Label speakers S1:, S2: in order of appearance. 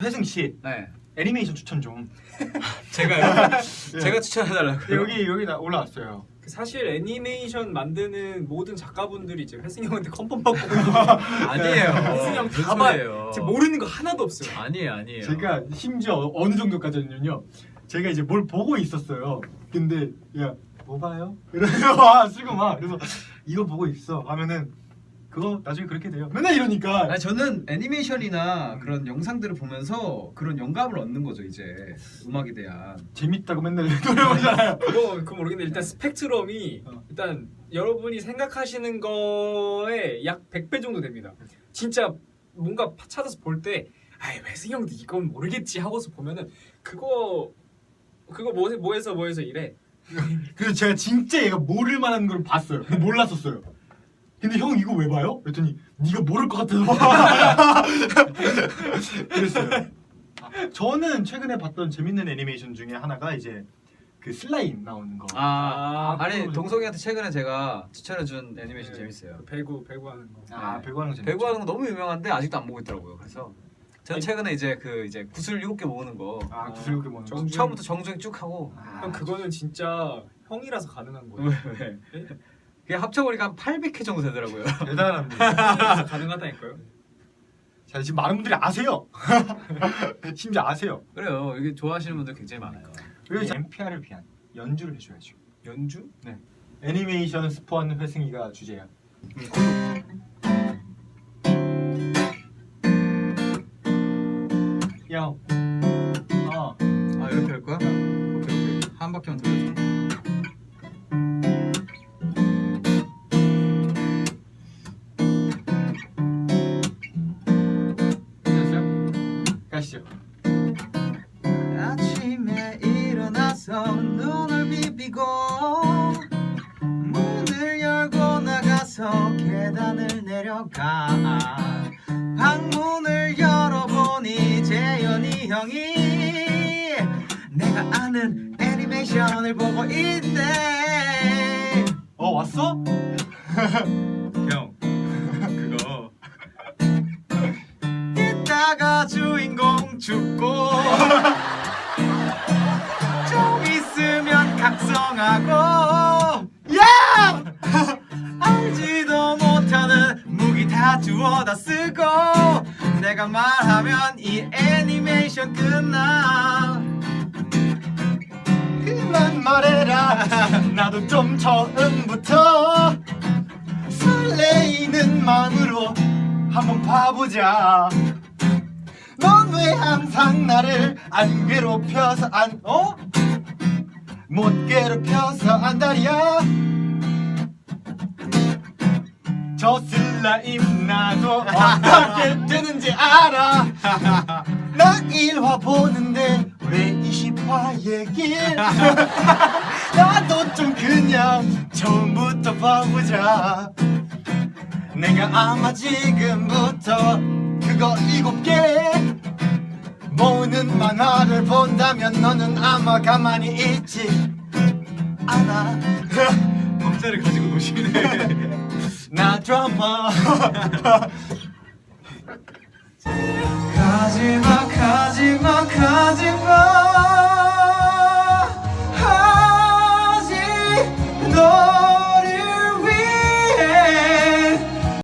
S1: 회승 씨
S2: 네.
S1: 애니메이션 추천 좀.
S2: 제가요?
S1: 예.
S2: 제가 추천해달라고요?
S1: 여기 올라왔어요.
S3: 사실 애니메이션 만드는 모든 작가분들이 이제 회승 형한테 컨펌 받고
S2: 아니에요.
S3: 회승 형
S2: 무슨
S3: 다 봐요.
S2: 소리예요?
S3: 지금 모르는 거 하나도 없어요.
S2: 아니에요.
S1: 제가 심지어 어느 정도까지는요. 제가 이제 뭘 보고 있었어요. 근데 야 뭐 봐요? 이러면서 와 쓰고 막 그래서 이거 보고 있어 하면은 그거 나중에 그렇게 돼요. 맨날 이러니까.
S4: 아니, 저는 애니메이션이나 그런 영상들을 보면서 그런 영감을 얻는 거죠. 이제 음악에 대한.
S1: 재밌다고 맨날 노래 보잖아요.
S3: 그거 모르겠는데 일단 스펙트럼이 일단 여러분이 생각하시는 거에 약 100배 정도 됩니다. 진짜 뭔가 찾아서 볼 때 아이 회승 형도 이건 모르겠지 하고서 보면은 그거 뭐해서 이래.
S1: 그래서 제가 진짜 얘가 모를 만한 걸 봤어요. 근데 몰랐었어요. 근데 형 이거 왜 봐요? 그랬더니 네가 모를 것 같아서 봐. 그랬어요. 저는 최근에 봤던 재밌는 애니메이션 중에 하나가 이제 그 슬라임 나오는 거.
S4: 아니
S1: 그거
S4: 동석이한테 최근에 제가 추천해준 애니메이션 재밌어요.
S3: 배구 하는 거.
S1: 배구하는 거 재밌죠.
S4: 배구하는 거 너무 유명한데 아직도 안 보고 있더라고요. 그래서 저는
S3: 아니,
S4: 최근에 이제 구슬 7개 모으는 거
S1: 구슬 7개 모으는 거.
S4: 처음부터 정주행 쭉 하고
S3: 형 그거는 진짜 형이라서 가능한 거예요.
S4: 왜? 그게 합쳐보니까 한 800회 정도 되더라고요.
S1: 대단합니다.
S3: 형이라서 가능하다니까요.
S1: 자 지금 많은 분들이 아세요. 심지어 아세요.
S4: 그래요. 이게 좋아하시는 분들 굉장히 많아요.
S1: 그리고 이제 MPR을 위한 연주를 해줘야죠.
S3: 연주?
S1: 네. 애니메이션 스폰 회승이가 주제야. 야.
S4: 아 이렇게 할 거야? 오케이. 한 바퀴만 돌려줘.
S1: 됐어요? 가시죠.
S4: 아침에 일어나서 눈을 비비고 문을 열고 나가서 계단을 내려가 방문을 열어보니 재현이 형이 내가 아는 애니메이션을 보고 있네.
S1: 왔어?
S4: 형 그거 이따가 주인공 죽고 좀 있으면 각성하고 야! 알지도 못하는 무기 다 주워다 쓰고 내가 말하면 이 애니메이션 끝나.
S1: 그만 말해라. 나도 좀 처음부터 설레이는 마음으로 한번 봐보자. 넌 왜 항상 나를 안 괴롭혀서 못 괴롭혀서 안달이야. 저 슬라임 나도 어떻게 되는지 알아. 나 1화 보는데 왜 20화 얘기를 나도 좀 그냥 처음부터 봐보자. 내가 아마 지금부터 그거 7개 모으는 만화를 본다면 너는 아마 가만히 있지 않아.
S4: 범죄를 가지고 노시네.
S1: 나 드라마.
S4: 가지마